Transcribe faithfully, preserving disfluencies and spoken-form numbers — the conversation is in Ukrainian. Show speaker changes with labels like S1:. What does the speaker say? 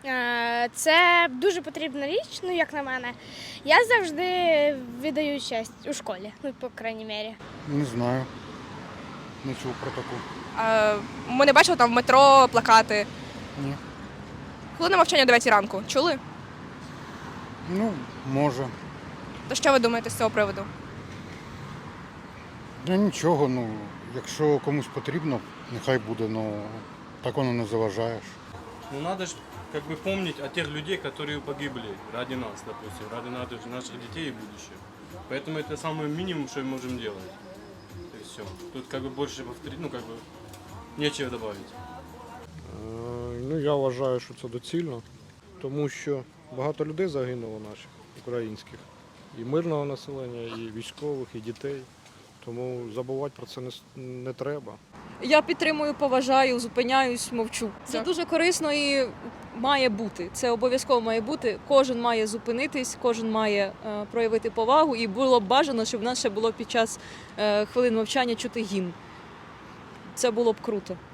S1: Е, Це дуже потрібна річ, ну як на мене. Я завжди віддаю честь у школі, ну, по крайній мірі.
S2: Не знаю. Не чув про таку.
S3: А, ми не бачили там в метро плакати.
S2: Ні.
S3: Хвилина мовчання о дев'ятій ранку. Чули?
S2: Ну, може.
S3: То що ви думаєте з цього приводу?
S2: Ну нічого, ну, якщо комусь потрібно, нехай буде, ну так воно не заважаєш.
S4: Ну надо же как бы помнить о тех людей, которые погибли ради нас, допустим, ради наших, наших детей и будущего. Поэтому это самый минимум, что мы можем делать. И все. Тут как бы больше повторить, ну как бы нечего добавить.
S5: Е, Ну, я вважаю, що це доцільно, тому що багато людей загинуло наших, українських. І мирного населення, і військових, і дітей. Тому забувати про це не, с- не треба.
S6: Я підтримую, поважаю, зупиняюсь, мовчу. Це
S3: Так.
S6: дуже корисно і має бути. Це обов'язково має бути. Кожен має зупинитись, кожен має е, проявити повагу. І було б бажано, щоб в нас ще було під час е, хвилин мовчання чути гімн. Це було б круто.